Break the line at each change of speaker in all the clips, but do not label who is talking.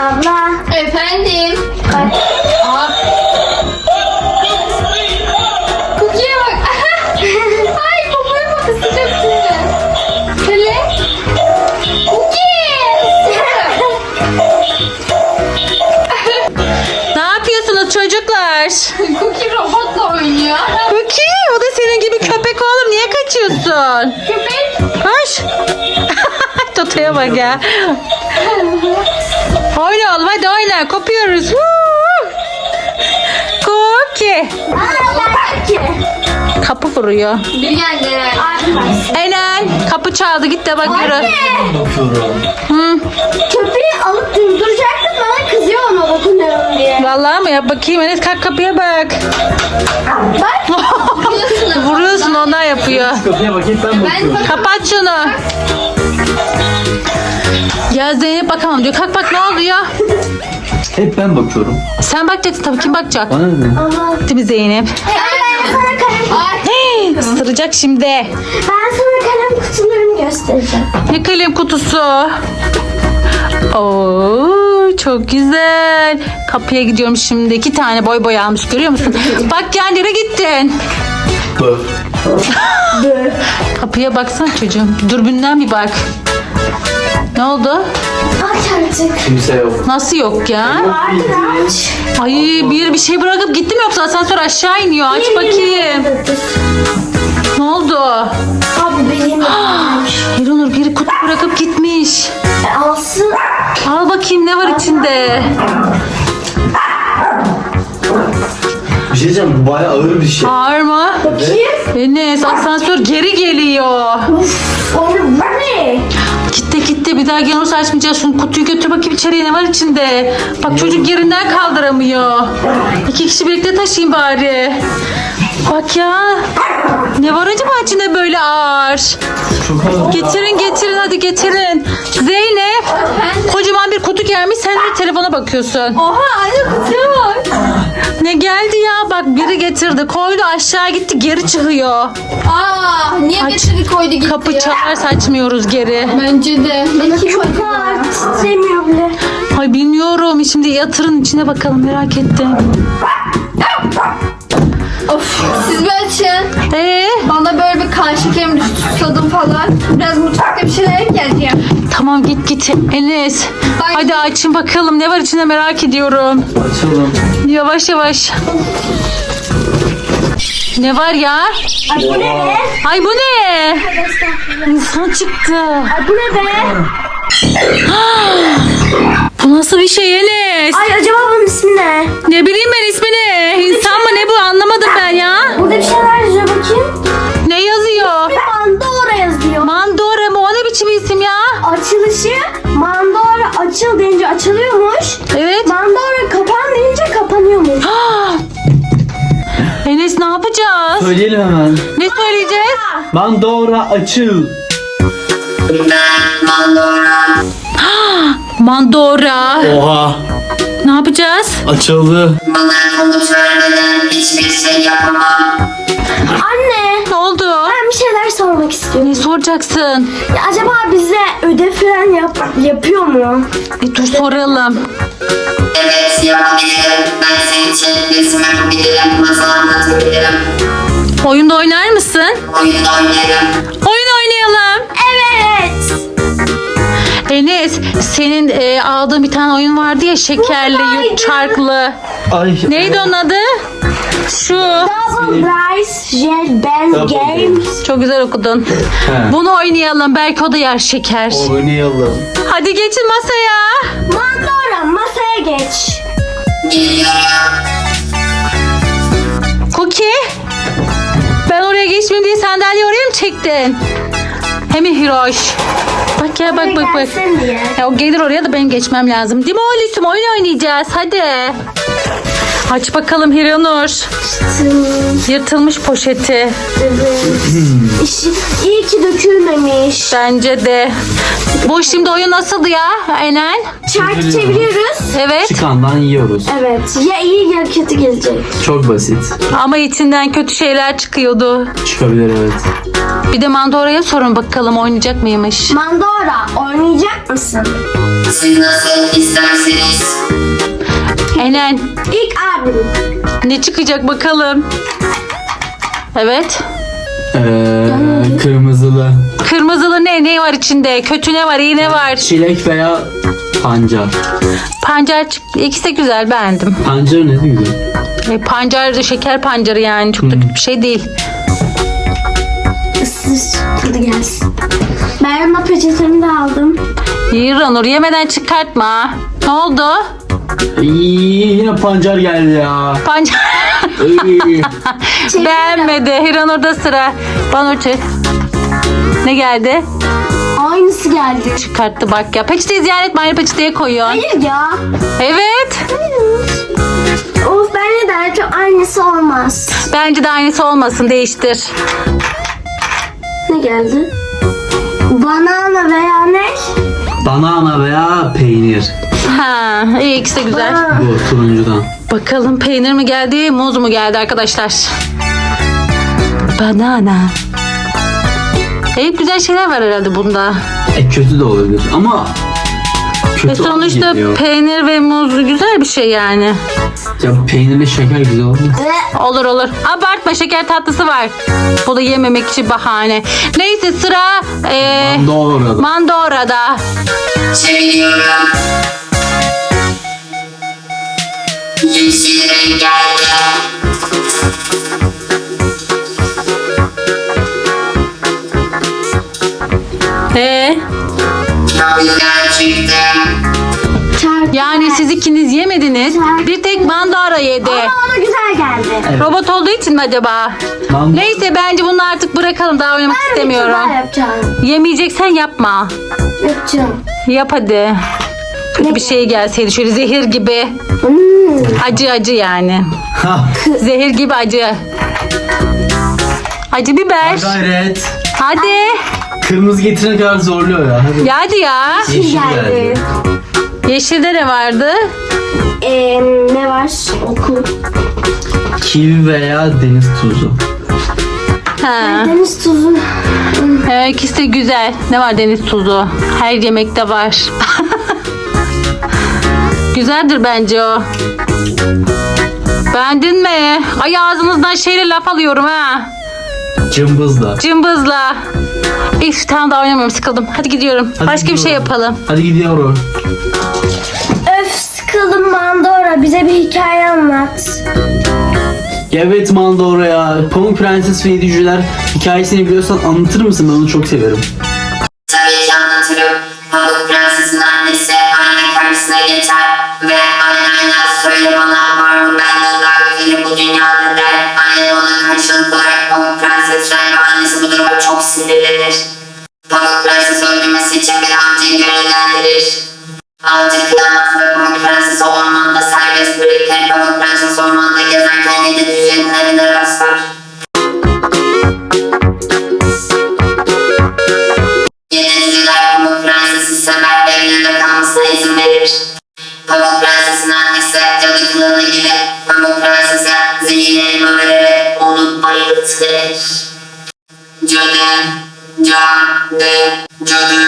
Abla.
Efendim. Aa. Cookie'ye bak. Ay babaya bak ısıracak seni. Şöyle. Cookie.
Ne yapıyorsunuz çocuklar?
Cookie robotla oynuyor.
Cookie, o da senin gibi köpek oğlum. Niye kaçıyorsun?
Köpek.
Koş. Tutaya bak ya. Oyna oğlum, hadi oyna. Kopuyoruz. Cookie. Kapı vuruyor.
Bir geldi herhalde.
Enel, kapı çaldı. Git de bak yürü.
Bakıyorum.
Hı.
Köpeği alıp durduracaktım, bana kızıyor ona dokunuyorum diye.
Vallahi mı? Yap bakayım. Enes kalk kapıya bak.
Bak.
Vuruyorsun, ona yapıyor.
Kapıya bakayım ben bakıyorum.
Kapat şunu. Ya Zeynep bakamam diyor. Kalk bak, ne oluyor?
Hep ben bakıyorum.
Sen bakacaksın tabii, kim bakacak?
Bana ne?
Ama.
Değil mi Zeynep?
Ben sana kalem.
Hey, ısıracak şimdi.
Ben sana kalem kutularımı göstereceğim.
Ne kalem kutusu? Oo, çok güzel. Kapıya gidiyorum şimdi. 2 tane boy boy almış, görüyor musun? Bak ya, nereye gittin?
Bu.
Kapıya baksana çocuğum. Dürbünden bir bak. Ne oldu?
Aç artık.
Kimse yok.
Nasıl yok ya?
Vardır aç.
Ay, bir şey bırakıp gittim, yoksa asansör aşağı iniyor. Aç bakayım. Ne oldu?
Abi benim varmış.
Hiranur, biri kutu bırakıp gitmiş.
Alsın.
Al bakayım, ne var içinde?
Bir şey diyeceğim, bu bayağı ağır bir şey.
Ağır mı?
Bakayım.
Enes, asansör geri geliyor.
Onu bu ne?
Gitti, bir daha gel, olursa açmayacağız. Şunu kutuyu götür bakayım içeriye, ne var içinde. Bak çocuk yerinden kaldıramıyor. 2 kişi birlikte taşıyın bari. Bak ya. Ne var acaba içinde böyle ağır?
Çok ağır.
Getirin hadi getirin. Zeynep, kocaman bir kutu gelmiş, sen de telefona bakıyorsun.
Oha anne kutuya bak.
Ne geldi ya, bak biri getirdi, koydu, aşağı gitti, geri çıkıyor.
Aa niye
Aç.
getirdi koydu gitti.
Kapı çalarsa açmıyoruz geri.
Bence de. Belki
Çok ağır. Titremiyor bile.
Ay bilmiyorum, şimdi yatırın içine bakalım, merak ettim.
Of siz bir açın. Bana böyle bir kan şekerim düştü, susadım falan. Biraz mutfakta bir şeyler geleceğim.
Tamam, git Enes.
Ay.
Hadi açın bakalım, ne var içinde, merak ediyorum.
Açalım.
Yavaş. Ne var ya?
Ay bu ne be?
Ay bu ne? İnsan çıktı.
Ay bu ne be?
Bu nasıl bir şey Enes?
Ay acaba bunun ismi ne?
Ne bileyim ben ismini. İnsan mı ne bu, anlamadım ben ya.
Burada bir şeyler yazıyor, bakayım.
Ne yazıyor?
Mandora yazıyor.
Mandora mı? O ne biçim isim ya?
Açılışı Mandora açıl deyince açılıyormuş.
Evet.
Mandora kapan deyince kapanıyormuş.
Enes, ne yapacağız?
Söyleyelim hemen.
Ne söyleyeceğiz?
Mandora açıl.
Mandora.
Oha.
Ne yapacağız?
Açıldı.
Bana bunu söylemeden hiçbir şey yapamam.
Anne,
Ne oldu?
ben bir şeyler sormak istiyorum.
Ne soracaksın?
Ya acaba bize ödev falan yapıyor mu?
Dur soralım.
Evet yapabilirim. Ben senin için resim yapabilirim. Masal anlatabilirim.
Oyunda oynar mısın?
Oyun oynarım.
Oyun oynayalım.
Evet.
Enes, senin aldığın bir tane oyun vardı ya, şekerli, çarklı.
Ay.
Neydi onun adı? Şu.
Double Rice Jet Band
Double
Game.
Çok güzel okudun.
He.
Bunu oynayalım. Belki o da yer şeker.
Oynayalım.
Hadi geçin masaya.
Mandora masaya geç.
Geliyorum.
Cookie. Ben oraya geçmeyeyim diye sandalyeyi oraya mı çektin? Hem Hiroş. Bak ya, bak.
Gelsin diye.
Ya o gelir oraya da benim geçmem lazım. Değil mi oğlum? Oyun oynayacağız. Hadi. Aç bakalım Hiranur. Yırtılmış poşeti.
İyi ki dökülmemiş.
Bence de. Bu şimdi oyun nasıldı ya Enel?
Çarkı çeviriyoruz.
Evet.
Çıkandan yiyoruz.
Evet. Ya iyi ya kötü gelecek.
Çok basit.
Ama içinden kötü şeyler çıkıyordu.
Çıkabilir, evet.
Bir de Mandora'ya sorun bakalım, oynayacak mıymış?
Mandora oynayacak mısın?
Siz nasıl isterseniz.
Enen
İlk abim.
ne çıkacak bakalım. Evet.
Kırmızılı.
Kırmızılı ne var içinde? Kötü ne var, iyi ne var?
Çilek veya pancar.
Pancar çıktı. İkisi de güzel, beğendim.
Pancar ne güzel.
Pancar da şeker pancarı yani. Çok da kötü bir şey değil.
Isır. Tadı gelsin. Ben ama peçetemi de aldım.
Hiranur yemeden çıkartma. Ne oldu?
Yine pancar geldi ya.
Pancar.
Iy.
Beğenmedi. Hiranur'da sıra. Bana ne geldi?
Aynısı geldi.
Çıkarttı bak ya. Peçeteyi ziyaret etme. Aynı peçeteye koyuyor.
Hayır ya.
Evet.
Of bence de çok aynısı olmaz.
Bence de aynısı olmasın. Değiştir.
Ne geldi? Banana veya ne?
Banana veya peynir.
Ha, iyi, ikisi de güzel.
Bu turuncudan.
Bakalım peynir mi geldi, muz mu geldi arkadaşlar? Banana. Hep güzel şeyler var herhalde bunda.
Kötü de olabilir ama kötü
Sonuçta
geliyor.
peynir ve muz güzel bir şey yani.
Ya peynirle şeker güzel olmaz.
Olur olur. Abartma, şeker tatlısı var. Bu da yememek için bahane. Neyse sıra
Doğru.
Mandora'da.
Çeviriyorum. Yeşil renk geldi. Çok güzel çıktı.
Çarpı.
Yani siz ikiniz yemediniz. Bir tek Mandora yedi.
Ama ona güzel geldi.
Robot olduğu için mi acaba? Neyse bence bunu artık bırakalım. Daha oynamak
Ben
istemiyorum.
bir yapacağım.
Yemeyeceksen yapma.
Yapacağım.
Yap hadi. Kötü bir şey gelseydi şöyle zehir gibi. Acı yani.
Ha.
Zehir gibi acı. Acı biber.
Gayret.
Hadi.
Kırmızı getirene kadar zorluyor ya. Hadi.
Ya hadi ya.
Yeşil
geldi.
Yeşilde ne vardı?
Ne var? Oku.
Kivi veya deniz tuzu.
Ha.
Deniz tuzu.
İkisi de güzel. Ne var deniz tuzu? Her yemekte var. Güzeldir bence o. Beğendin mi? Ay ağzınızdan şeyle laf alıyorum ha.
Cımbızla.
Cımbızla. İf tamam daha oynamıyorum, sıkıldım. Hadi gidiyorum.
Hadi
Başka bir şey
gidiyorum.
yapalım.
Hadi gidiyorum.
Öf sıkıldım Mandora. Bize bir hikaye anlat.
Evet Mandora ya. Pamuk Prenses ve Yedi Cüceler hikayesini biliyorsan anlatır mısın? Ben onu çok severim.
Tabii ki anlatırım. Pamuk Prenses'in annesi ayna karşısına geçer ve aynayla söyle bana var mı benden daha güzeli bu dünyada der. Ayna ona karşılık olarak Pamuk Prenses'le annesi bu duruma çok sinirlenir. Pamuk Prenses öldürmesi için bir avcıyı görevlendirir. Avcı kıyamaz ve Pamuk Prenses'i ormanda serbest bırakır. Pamuk Prenses ormanda gezerken yedi cücenin evine rastlar. Yediciler Pamuk Prenses'i sever ve evlerinde kalmasına izin verir. Pamuk Prenses'in annesi cadı kılığına girip Pamuk Prenses'e zehirli elma vererek onu bayıltır. Cadı, cadı.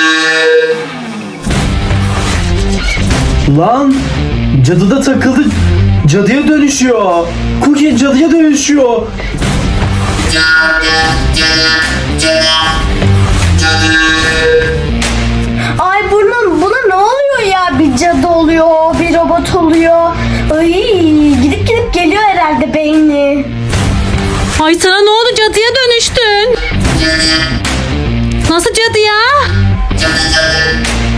Lan cadı da takıldı. Cadıya dönüşüyor. Cookie cadıya dönüşüyor.
Cadı.
Ay buna ne oluyor ya? Bir cadı oluyor, bir robot oluyor. Ay gidip geliyor herhalde beyni.
Ay sana ne oldu, cadıya dönüştün? Nasıl cadı ya?
Cadı.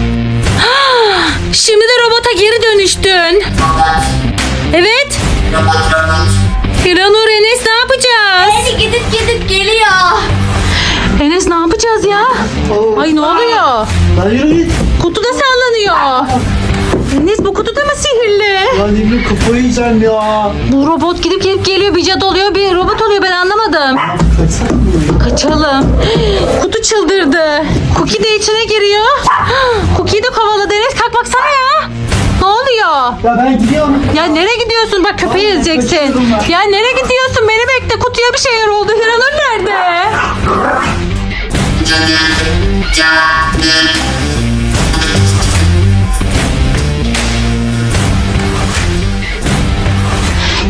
Şimdi de robota geri dönüştün. Evet.
Robot.
Hiranur, Enes ne yapacağız?
Beni gidip geliyor.
Enes ne yapacağız ya? Ay ne oluyor?
Lan yürü git.
Kutu da sallanıyor. Enes bu kutu da mı sihirli?
Lan Emre kafayı yiyeceğim ya.
Bu robot gidip geliyor, bir cadı oluyor, bir robot oluyor, ben anlamadım.
Kaçsana mı?
Kaçalım. Kutu çıldırdı. Cookie de içine giriyor. Cookie'yi de kovaladı. Enes kalk baksana ya. Ne oluyor?
Ya ben gidiyorum.
Ya nereye gidiyorsun? Bak köpeği ezeceksin.
kaçıyorum ben.
Ya nereye gidiyorsun? Beni bekle. Kutuya bir şeyler oldu. Hiranur nerede?
Cadı.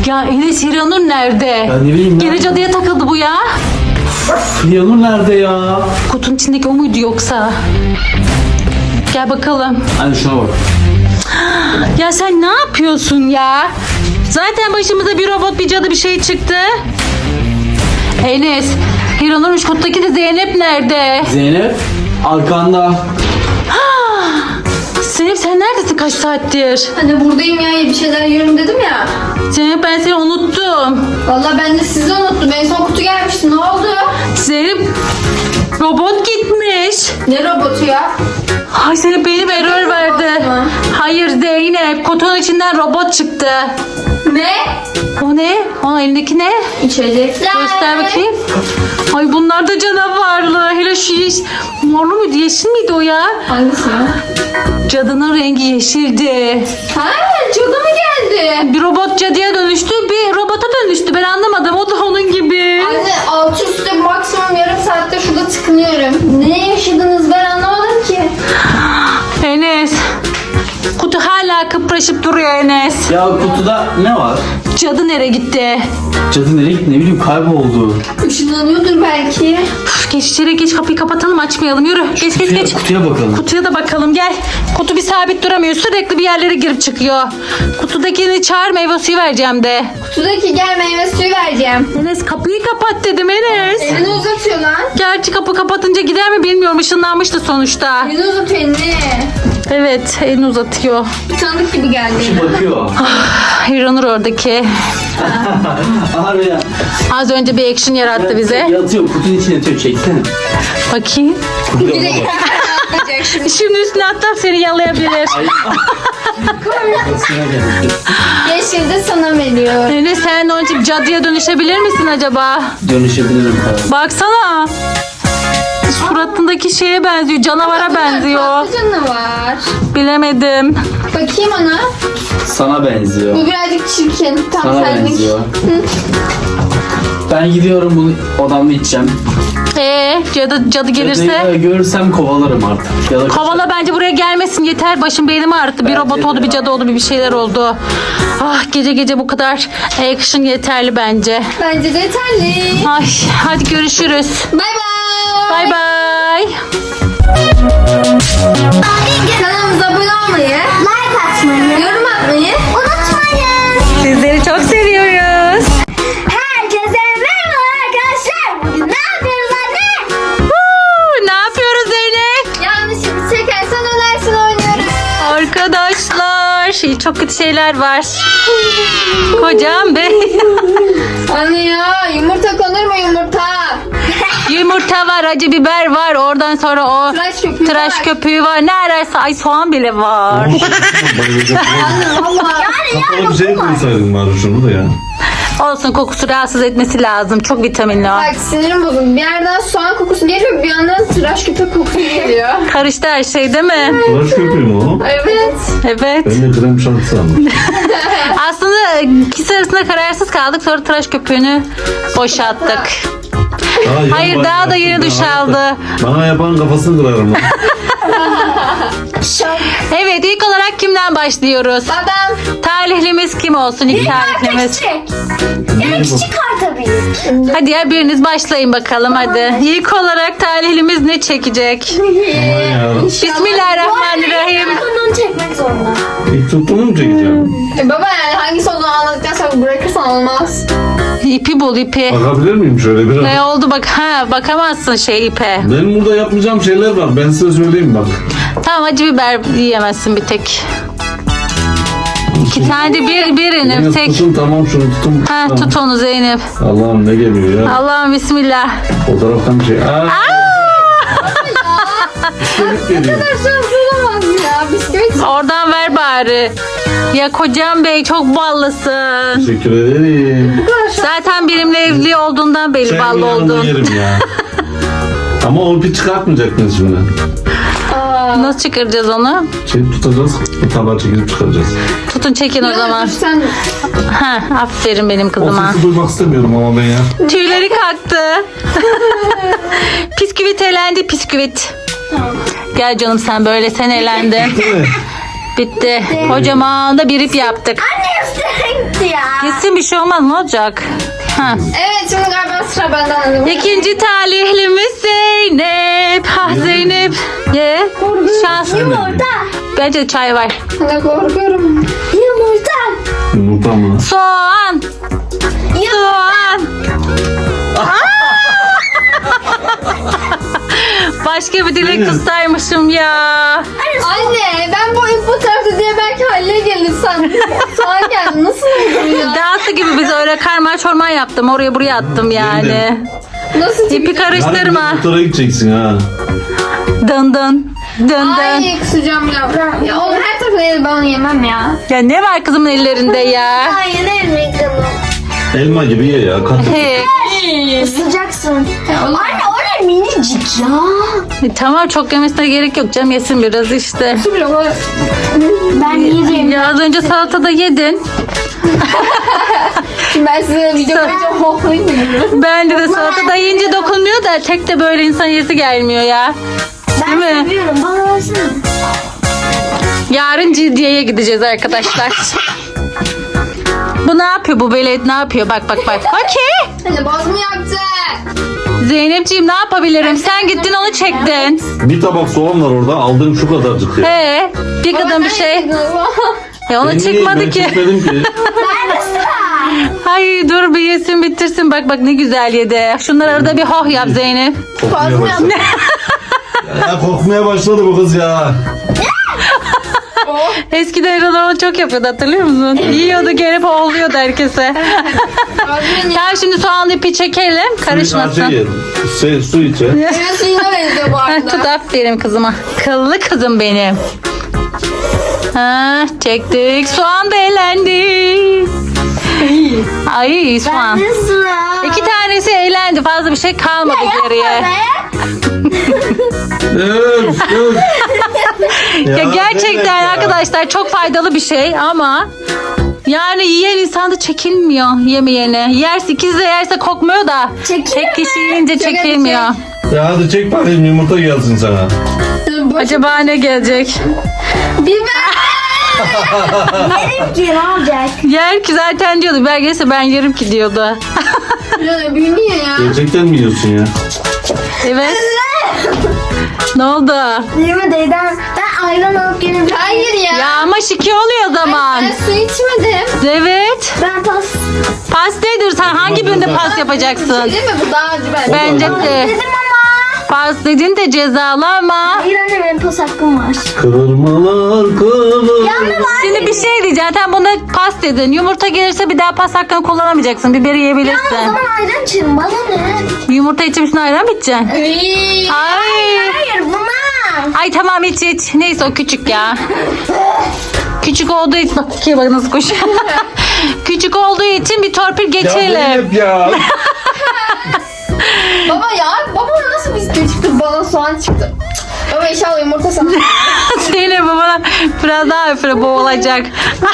Ya Enes Hiranur nerede?
Ya ne bileyim
Gene
ben.
cadıya takıldı bu ya.
Yanur nerede ya?
Kutunun içindeki o muydu yoksa? Gel bakalım.
Hadi şuna bak.
Ya sen ne yapıyorsun ya? Zaten başımıza bir robot, bir cadı, bir şey çıktı. Enes, Hiranur'muş, kuttaki de Zeynep nerede?
Zeynep arkanda.
Zeynep sen neredesin kaç saattir?
Hani buradayım ya, bir şeyler yiyorum dedim ya.
Zeynep ben seni unuttum.
Vallahi ben de sizi unuttum. En son kutu gelmişti. Ne oldu?
Zeynep robot gitmiş.
Ne robotu ya?
Ay Zeynep benim error verdi.
mu?
Hayır Zeynep, kutunun içinden robot çıktı.
Ne?
O ne? O elindeki ne?
İçecekler.
Göster bakayım. Ay bunlar da canavarlı. Hele şu morlu muydu, yeşil miydi o ya?
Hangisi ya?
Cadının rengi yeşildi.
Ha, cadı mı geldi?
Bir robot cadıya dönüştü, bir robota dönüştü. Ben anlamadım. O da onun gibi.
Anne altı üstü maksimum yarım saatte şurada tıkınıyorum. Ne yaşadınız ben anlamadım ki.
Enes. Kutu hala kıpraşıp duruyor Enes.
Ya kutuda ne var?
Cadı nereye gitti?
Cadı nereye gitti? Ne bileyim kayboldu.
Işınlanıyordur belki.
Üf, geç içeri geç, kapıyı kapatalım, açmayalım. Yürü geç geç.
Kutuya bakalım.
Kutuya da bakalım gel. Kutu bir sabit duramıyor. Sürekli bir yerlere girip çıkıyor. Kutudakini çağır, meyve suyu vereceğim de.
Kutudaki gel meyve suyu vereceğim.
Enes kapıyı kapat dedim Enes.
Elini uzatıyor lan.
Gerçi kapı kapatınca gider mi bilmiyorum. Işınlanmıştı sonuçta.
Elini uzatıyor elini.
Evet elini uzatıyor.
Bir tanıdık gibi geldi.
Bakıyor.
Hiranur oradaki.
Abi ya.
Az önce bir action yarattı bize.
Yatıyor kutunun içine yatıyor. Çeksene.
Bakayım.
Kutuya bak.
Yapacak şimdi.
Şimdi üstüne atlar seni yalayabilir.
Ay. Kafasına geldi.
Yeşil de sana veriyor.
Enes sen onun için cadıya dönüşebilir misin acaba?
Dönüşebilirim falan.
Baksana. Suratındaki şeye benziyor. Canavara benziyor.
Patlıcanı var.
Bilemedim.
Bakayım ona.
Sana benziyor.
Bu birazcık çirkin. Tam
Sana
senlik.
benziyor. Ben gidiyorum bunu odamda içeceğim.
Cadı gelirse?
Cadıyı görürsem kovalarım artık. Ya da
Kovala bence buraya gelmesin yeter. Başım beynimi ağrıttı. Bir
Bence
robot
de
oldu, bir
ya.
cadı oldu, bir şeyler oldu. Ah gece gece bu kadar action yeterli bence.
Bence de yeterli.
Ay hadi görüşürüz.
Bay bay.
Bay bay.
Kanalımıza abone olmayı,
Like atmayı
yorum atmayı
unutmayın.
Sizleri çok seviyoruz.
Herkese merhaba arkadaşlar. Bugün ne yapıyoruz anne?
Ne yapıyoruz Zeynep?
yanlışlıkla çekersen ölersin oynuyoruz.
Arkadaşlar çok kötü şeyler var. Kocam bey.
Anne ya yumurta konur mu yumurta?
Yumurta var, acı biber var. Oradan sonra o
Tıraş köpüğü
tıraş
var.
köpüğü var. Ne ararsa ay soğan bile var.
Valla.
Kapalı bir şey koysaydın bari şunu da ya.
Olsun, kokusu rahatsız etmesi lazım. Çok vitaminli o.
Bak sinirim bozuldu. Bir yerden soğan kokusu geliyor, bir yandan tıraş köpük kokusu geliyor.
Karıştı her şey değil mi?
Tıraş köpüğü mü o?
Evet.
Evet.
Ben de krem şansı sandım.
Aslında ikisi arasında kararsız kaldık. Sonra tıraş köpüğünü boşalttık. Hayır, daha da yeni duş aldı.
Bana yapan kafasını kırarım lan.
Evet, ilk olarak kimden başlıyoruz?
Adam.
Talihlimiz kim olsun? İlk talihlimiz.
Evet küçük karta büyük.
Hadi ya biriniz başlayın bakalım hadi. İlk olarak talihlimiz ne çekecek?
Aman ya.
Bismillahirrahmanirrahim.
Bunu çekmek zorunda.
İlk tuttuğunu mu çekeceğim?
Baba yani hangisi olduğunu anladıktan sonra bırakırsan olmaz.
İpi bul ipi.
Bakabilir miyim şöyle biraz?
Ne oldu bak, bakamazsın şey ipe.
Benim burada yapmayacağım şeyler var. Ben size söyleyeyim bak.
Tamam, acı biber yiyemezsin bir tek. İki tane de birini
Yine
tek.
tutun tamam şunu tutun.
Ha,
Tamam.
tut onu Zeynep.
Allah'ım ne geliyor ya.
Allah'ım bismillah.
O taraftan bir şey. Bisküvit geliyor.
Şans olamaz ya. Bisküvit.
Oradan ver bari. Ya kocam bey çok ballısın.
Teşekkür ederim.
Zaten benimle evli olduğundan belli
Sen
ballı
yanında
oldun.
yerim ya. Ama o ipi çıkartmayacaktınız şimdi.
Nasıl çıkaracağız onu?
Şey tutacağız. Bu tabağı çekip çıkaracağız.
Tutun çekin o zaman.
Sen
Ha, aferin benim
O
kızıma.
sesi duymak istemiyorum ama ben ya.
Tüyleri kalktı. Pisküvit elendi, pisküvit. Gel canım sen böyle, sen elendin.
Değil mi?
Bitti. Kocaman da bir ip yaptık.
Anne üstüne gitti ya.
Kesin bir şey olmaz, ne olacak? Ha.
Evet şimdi galiba sıra benden.
İkinci talihlimiz Zeynep. Ha Zeynep. Ye. Şans.
Yumurta.
Bence çay var.
Ne korkuyorum.
Yumurta.
Yumurta mı?
Soğan. Soğan. Başka bir dilek tutsaymışım ya.
Anne ben bu tarafta diye belki Halil'e gelir sandım. Sağa geldi. Nasıl oldu ya?
Dansı gibi biz öyle karma çorman yaptım. Oraya buraya attım yani.
Nasıl
İpi
çıktı?
karıştırma.
Yarın motora gideceksin ha.
Dın dın. Dın dın.
Ay kusacağım ya. Ya oğlum her tarafı el ben yemem ya.
Ya ne var kızımın ellerinde ya?
Hayır elmi kanım.
Elma gibi ye ya. Katı.
He.
Isıracaksın.
oğlum.
Anne o ne minicik ya.
Tamam çok yemesine gerek yok canım, yesin biraz işte.
Ben yerim.
Ya az önce salatada yedin.
Şimdi ben size video koyacağım. Hohlayayım mı?
Bence de salatada yiyince dokunmuyor da tek de böyle insan yesi gelmiyor ya.
Ben
Değil mi?
seviyorum. Bana versene.
Yarın Ciddiye'ye gideceğiz arkadaşlar. Bu ne yapıyor, bu velet ne yapıyor? Bak bak bak. Okey.
Hani boz mu yaptı?
Zeynepciğim ne yapabilirim? Sen gittin onu çektin.
Bir tabak soğan var orada. Aldığım şu kadarcık ya.
He, bir kadın bir şey. Ya ona
Ben
çıkmadı
ben
ki.
çekmedim ki.
Ben de sıra.
Ay dur bir yesin bitirsin. Bak bak ne güzel yedi. Şunları arada bir hoh yap Zeynep.
Kokmaya başladı. Ya kokmaya başladı bu kız ya.
Eskiden Erol çok yapıyordu, hatırlıyor musun? Yiyordu gelip hohluyordu herkese. Tamam şimdi soğanlı ipi çekelim. Karışmasın.
Su içe.
Meyve suyuna benziyor bu
Ha, tut
arada.
aferin kızıma. Kıllı kızım benim. Ha, çektik. Soğan da elendi. Ay soğan.
Ben de sıra.
2 tanesi eğlendi. Fazla bir şey kalmadı geriye.
Öf, öf.
Ya gerçekten
Zeynep ya.
arkadaşlar çok faydalı bir şey ama yani yiyen insan da çekilmiyor yemeyene. Yerse ikisi de yerse kokmuyor da
Çekilmiyor
tek kişi yiyince çekilmiyor.
Ya hadi çek bakayım yumurta gelsin sana.
Acaba ne gelecek?
Biber.
Yerim ki ne olacak?
Yer ki zaten diyordu. Ben gelirse ben yerim ki diyordu.
Ya büyünüyor ya.
Gerçekten mi yiyorsun ya?
Evet. Ne oldu?
Yeme deyden. Ben ayran alıp gelebilirim.
Hayır ya.
Ya ama şike oluyor o zaman.
Ben su içmedim.
Evet.
Ben pas.
Pas nedir? Sen hangi birinde pas yapacaksın?
Değil mi? Bu daha acı bence.
Bence de.
Dedim ama.
Pas dedin de cezalı ama.
Hayır anne benim pas hakkım var.
Kırmalar kırılır.
Şimdi bir şey diyeceğim. Sen buna pas dedin. Yumurta gelirse bir daha pas hakkını kullanamayacaksın. Biberi
O
yiyebilirsin.
zaman ayran içerim. Bana ne?
Yumurta içip üstüne ayran mı içeceksin?
Iy.
Ay.
Hayır buna.
Ay tamam iç iç. Neyse o küçük ya. Küçük olduğu için bak ikiye bak nasıl koşuyor. Küçük olduğu için bir torpil
Ya
geçelim.
Zeynep ya.
Baba ya. Baba nasıl bisküvi çıktı? Bana soğan çıktı. Baba inşallah yumurta sana.
Zeynep babana biraz daha öfre boğulacak.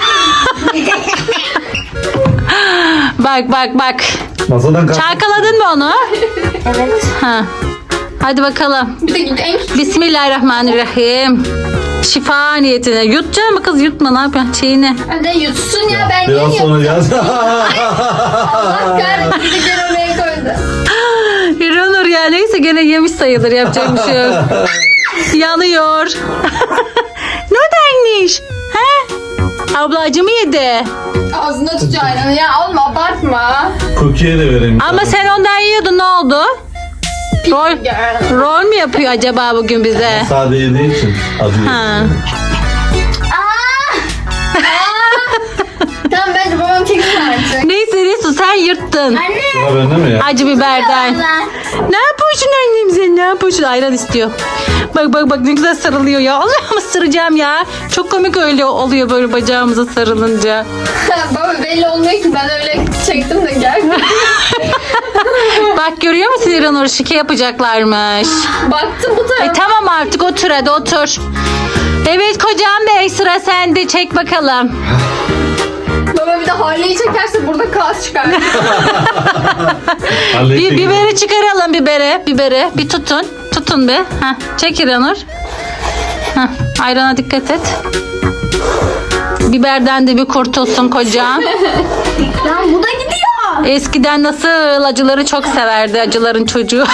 Bak bak bak.
Masadan kalk.
Çalkaladın mı onu?
Evet.
Ha. Hadi bakalım.
Bir de en küçük.
Bismillahirrahmanirrahim. Şifa niyetine. Yutacak mı kız? Yutma, ne yapıyorsun? Çiğne.
Hadi yutsun ya ben
Biraz
niye
sonra yaz.
Allah kahretsin. Bir de oraya koydu.
İranur ya, neyse gene yemiş sayılır, yapacak bir şey yok. Yanıyor. Ne denmiş? He? Ablacı mı yedi?
Ağzına tutuyor ayranı ya. Oğlum abartma.
Cookie'ye de vereyim.
Ama sen ondan yiyordun, ne oldu? Rol, rol mü yapıyor acaba bugün bize?
Sade yediği için acı.
Ha.
Tamam bence babam çeksin artık.
Neyse Resul sen yırttın.
Sıra bende mi ya?
Acı biberden. Ne yapıyorsun annem sen, ne yapıyorsun? Ayran istiyor. Bak bak bak ne güzel sarılıyor ya. Allah'ım ısıracağım ya. Çok komik öyle oluyor böyle bacağımıza sarılınca.
Baba belli olmuyor ki ben öyle çektim de gel.
Bak görüyor musun İranur, şike yapacaklarmış.
Baktım bu tarafa.
Tamam artık otur, hadi otur. Evet kocam bey, sıra sende, çek bakalım.
Baba bir de Harley'i çekerse burada kaos çıkar.
Bir biberi çıkaralım, biberi bir tutun. Tutun bir. Heh, çek İranur. Heh, ayrana dikkat et. Biberden de bir kurtulsun kocam.
Lan bu da gidiyor.
Eskiden nasıl acıları çok severdi acıların çocuğu.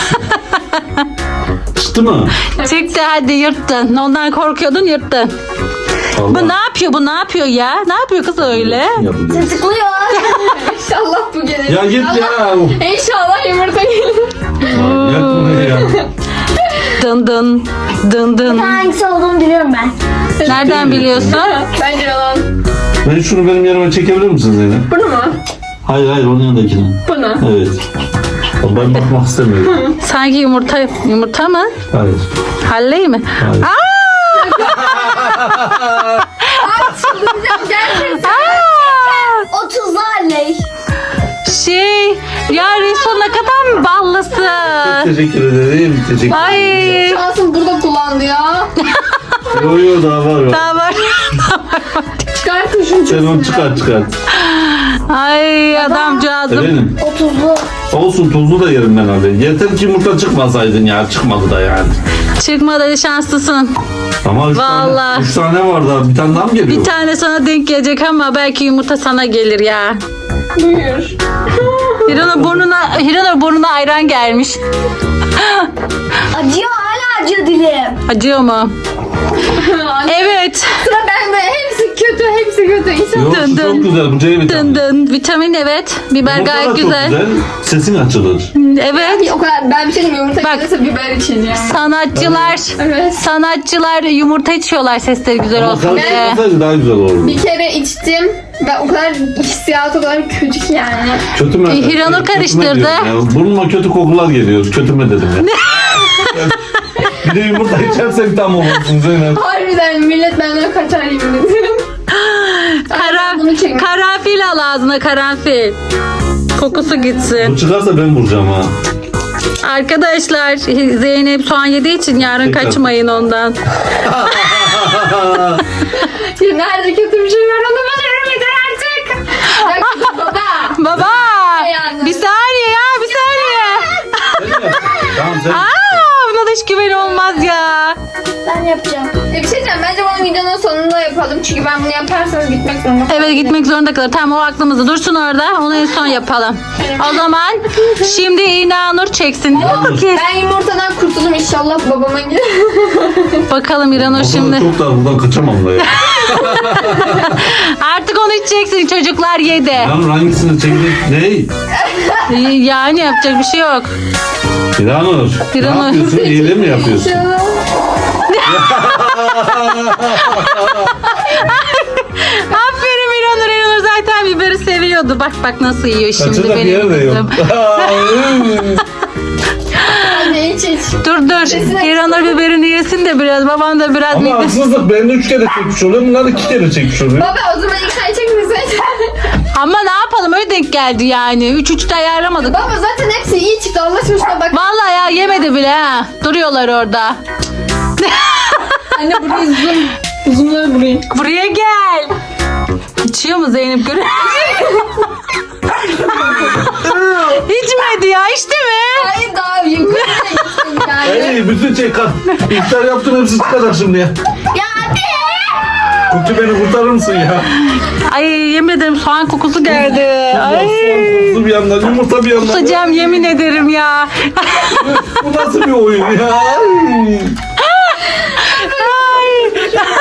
Çıktı mı?
Çıktı hadi yırttın. Ondan korkuyordun yırttın.
Allah.
Bu ne yapıyor? Bu ne yapıyor ya? Ne yapıyor kız öyle?
Yapacağız.
Tıklıyor.
İnşallah bu gelir.
Ya git ya.
İnşallah yumurta gelir.
Yak bunu ya.
Dın dın. Dın dın.
Hangisi olduğunu biliyorum ben.
Nereden biliyorsun?
Bence yalan.
Ben şunu benim yerime çekebilir misin Zeynep?
Bunu mu?
Hayır onun yanındakini.
Bunu.
Evet. Ben bakmak istemiyorum.
Sanki yumurta mı?
Hayır.
Halley mi?
Hayır.
Çıldıracağım gerçekten.
Aa!
O tuzlu halley.
Ya Resul ne kadar mı ballısın?
Teşekkür ederim. Teşekkür
Ay.
Şansım burada kullandı ya.
Yo daha var.
Daha var.
Çıkar kuşun
Sen onu çıkart.
Ay adamcağızım.
Efendim?
O tuzlu.
Olsun tuzlu da yerim ben abi. Yeter ki yumurta çıkmasaydın ya. Çıkmadı da yani.
Çıkmadı şanslısın.
Ama
Vallahi.
3 tane var daha. Bir tane daha mı geliyor?
Bir tane sana denk gelecek ama belki yumurta sana gelir ya.
Buyur.
Hiranur burnuna ayran gelmiş.
Acıyor, hala acıyor dilim.
Acıyor mu? Evet.
Sıra bende. Hepsi kötü. İnşallah.
Yok
Dın
şu çok
dın.
güzel. Bu C
Dın
vitamini.
dın. Vitamin evet. Biber
Yumurta da
gayet
çok
güzel.
Sesin açılır.
Evet.
O kadar ben bir şey diyeyim yumurta
Bak.
gelirse biber için ya.
Evet. Sanatçılar yumurta içiyorlar sesleri güzel
Ama
olsun diye.
karıştırmasaydı daha güzel olurdu.
Bir kere içtim ve o kadar hissiyatı o kadar kötü ki yani.
Kötü mü?
Hiranur
Kötüme
karıştırdı.
diyorum ya. Burnuma kötü kokular geliyor. Kötüme dedim ya. Bir de yumurta içersek tam olursun Zeynep.
Harbiden millet benden kaçar yemin ederim. Bunu çekmek.
Karanfil al ağzına karanfil. Kokusu gitsin.
Bu çıkarsa ben vuracağım ha.
Arkadaşlar Zeynep soğan yediği için yarın
Tekrar.
kaçmayın ondan.
Ya nerede kötü bir şey var onu başarım yeter artık. Ya kızım baba.
Baba
Yani.
bir saniye ya bir saniye.
Tamam sen.
Buna da hiç güven olmaz ya.
Ben yapacağım.
Bir şey diyeceğim bence bunu videonun sonunda yapalım. Çünkü ben bunu yaparsanız gitmek zorunda kalırım.
Evet gitmek zorunda kalır. Tamam o aklımızda dursun orada. Onu en son yapalım. O zaman şimdi İnanur çeksin.
Ben yumurtadan kurtuldum inşallah babama gider.
Bakalım İranur
O
şimdi.
kadar çok da buradan kaçamam da ya.
Artık onu içeceksin çocuklar yedi.
Hiranur hangisini çekecek? Ne?
Yani yapacak bir şey yok.
Hiranur. Ne
Hiranur.
yapıyorsun? İyile mi yapıyorsun?
Aferin İranur. İranur zaten biberi seviyordu. Bak nasıl yiyor şimdi
Kaçacak yer
benim
de yok.
kızım.
Hadi iç.
Dur. İranur biberini yesin de biraz. Baban da biraz
Ama haksızlık. Ben 3 kere çekmiş oluyor. Bunlar 2 kere çekmiş oluyor.
Baba o zaman ilk sen çekmesin.
Ama ne yapalım öyle denk geldi yani. 3-3'te ayarlamadık.
Baba zaten hepsi iyi çıktı Allah aşkına bak.
Vallahi ya yemedi bile ha. Duruyorlar orada.
Anne burayı zoomları burayı.
Buraya gel. İçiyor mu Zeynep görüyor? İçmedi ya içti mi?
Hayır daha yukarıda gittim yani.
Hey bütün İftar yaptın hepsi çıkacak şimdi ya.
Ya hadi.
Kutu beni kurtarır mısın ya?
Ay yemin ederim soğan kokusu geldi. Ay.
Kutu bir yandan yumurta bir yandan.
Kusacağım yemin ederim ya.
Bu nasıl bir oyun ya?
Ay.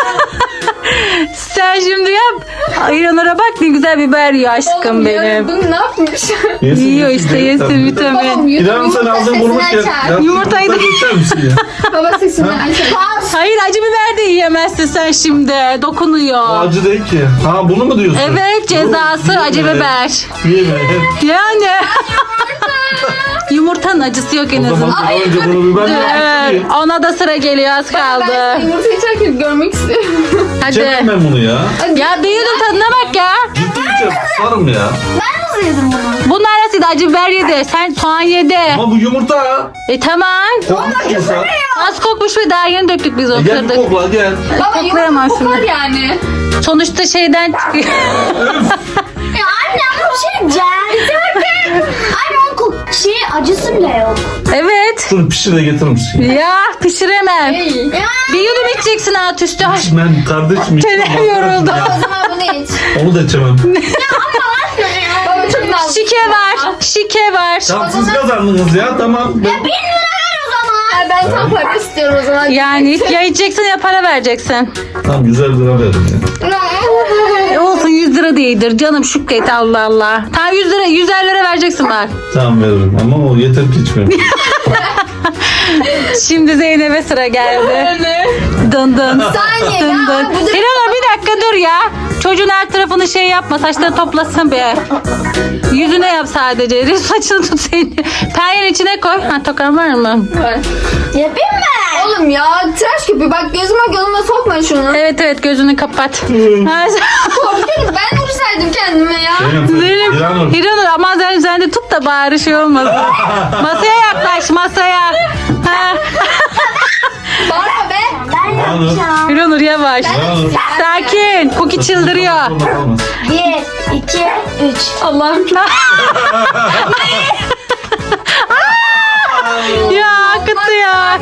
Sen şimdi yap. İranur'a bak ne güzel biber yiyor aşkım
Oğlum ya,
benim.
bunu ne yapmış?
Yiyor işte yesin vitamin.
Babam
İrem sen ağzını vurmuş ya.
Yumurtayı da-
geçer misin ya?
Baba sesini açar.
Hayır acı biber de yiyemezsin sen şimdi. Dokunuyor.
Acı değil ki. Ha bunu mu diyorsun?
Evet cezası
Yok,
acı
yeme.
biber.
Yeme.
Yani. Yumurtanın acısı yok en
O zaman
azından.
daha önce bunu biber
Evet, ona da sıra geliyor az
Ben
kaldı.
yumurta içerken görmek istiyorum.
Hadi.
Çekmem ben bunu ya.
Ya büyüdün tadına bak ya.
Ciddi içeceğim. Sarım ya.
Ben nasıl yedim bunu?
Bunlar arasıydı acı biber yedi. Sen soğan yedi.
Ama bu yumurta.
Tamam.
Kokmuş yumurta.
Az kokmuş ve daha yeni döktük biz o
Gel bir
kırdık.
kokla gel.
Baba yumurta
Koklayamazsın.
kokar yani.
Sonuçta şeyden çıkıyor.
Ya anne ama bir şey diyeceğim. Anne o Acısı bile yok.
Evet.
Şunu pişir de getirir misin?
Ya pişiremem. Bir yudum içeceksin alt üstü. Ay,
Ben kardeşim.
çenem yoruldu.
O zaman bunu iç.
Onu da içemem.
Baba çok nazlı.
Şike var. Şike var.
Tamam siz kazandınız ya tamam.
Ben tam para istiyorum o zaman.
Yani ya içeceksin ya para vereceksin.
Tamam 100 lira verdim ya.
Olsun 100 lira değildir canım Şükret Allah Allah. Tamam 100 lira 150 lira vereceksin bak.
Tamam veririm ama o yeter ki içmeyeyim.
Şimdi Zeynep'e sıra geldi. Dın dın.
Saniye
Dın
ya.
dın.
Bu da
Hiranur bir dakika dur ya. Çocuğun her tarafını şey yapma. Saçları toplasın be. Yüzüne yap sadece. Saçını tut seni. Penyenin içine koy. Ha tokan var mı?
var.
Yapayım mı?
Oğlum ya tıraş köpüğü bak gözüme sokma şunu.
Evet evet gözünü kapat. Ha,
Korkuyorum ben vursaydım kendime ya.
Zeynep,
İranur.
Hiranur ama sen de tut da bari şey olmasın. Masaya yaklaş masaya. Ha.
Bağırma be.
Ben
Bana-
yapacağım.
Hiranur yavaş.
Hiranur.
Sakin. Cookie çıldırıyor.
Olmaz.
1, 2, 3.
Allah'ım. Ya akıttı ya.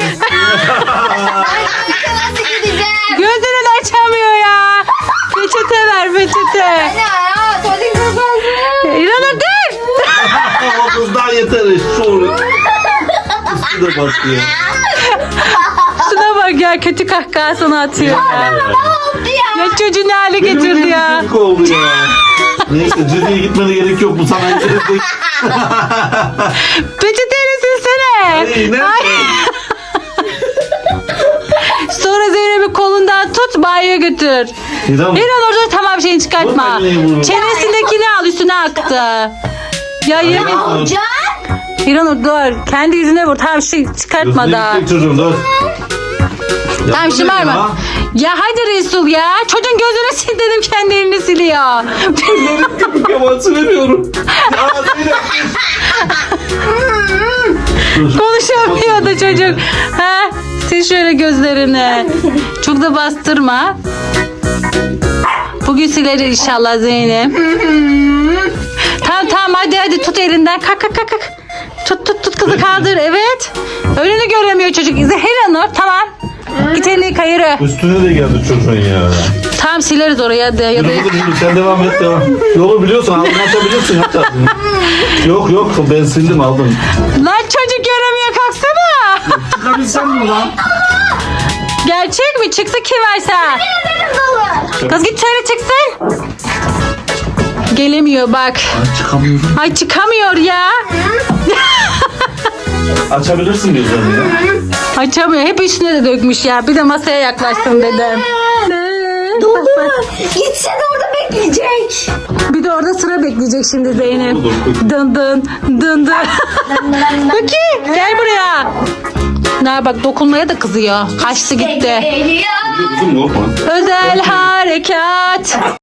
Nasıl gideceğim?
Gözünü de açamıyor ya. Peçete ver peçete.
Ne ya? Tuvalet kazandı.
İranur dur.
O kız daha yeter. Şu. Üstü de batıyor.
Şuna bak ya kötü kahkahasını atıyor ya. Ya çocuğu ne hale getirdi ya.
Çocuk oldu ya. Neyse ciddiye gitmene gerek yok bu sana gelecek.
Peçeteyle silsene.
Hey, ne?
Sonra Zeynep'i kolundan tut banyoya götür.
İranur.
İranur dur tamam şeyini çıkartma.
Bu ne bu?
Çenesindekini al üstüne aktı. Ya
İranur.
İranur dur. Kendi yüzüne vur. Tamam şey çıkartma da.
Gidecek çocuğum dur.
Tamam
Yapma
şımarma.
ya.
Ya hadi Resul ya. Çocuğun gözünü sil dedim kendi elini siliyor.
Yaman silemiyorum. Ya Zeynep. Dur.
Konuşamıyor da çocuk. Ha? Sil şöyle gözlerini. Çok da bastırma. Bugün siler inşallah Zeynep. Tamam hadi tut elinden. Kalk. Tut kızı kaldır. Evet. Önünü göremiyor çocuk. Hiranur tamam. Git elini yıka yürü.
Üstüne de geldi çocuğun ya.
Tamam sileriz oraya da ya da.
Yürü sen devam et devam. Yolu biliyorsun ağzını açabilirsin aç ağzını. Yok ben sildim aldım.
Lan çocuk göremiyor kalksana.
Çıkabilsem mi lan?
Gerçek mi? Çıksa kim varsa. Kız git söyle çıksın. Gelemiyor bak.
Çıkamıyorum.
Ay çıkamıyor ya.
Açabilirsin gözlerini ya.
Açamıyor. Hep üstüne de dökmüş ya. Bir de masaya yaklaştım dedim.
Dolu. Gitse de orada bekleyecek.
Bir de orada sıra bekleyecek şimdi Zeynep.
Olur,
Dın dın. Peki gel buraya. Ne bak dokunmaya da kızıyor. Kaçtı gitti.
Geliyor.
Kızım korkma.
Özel harekat.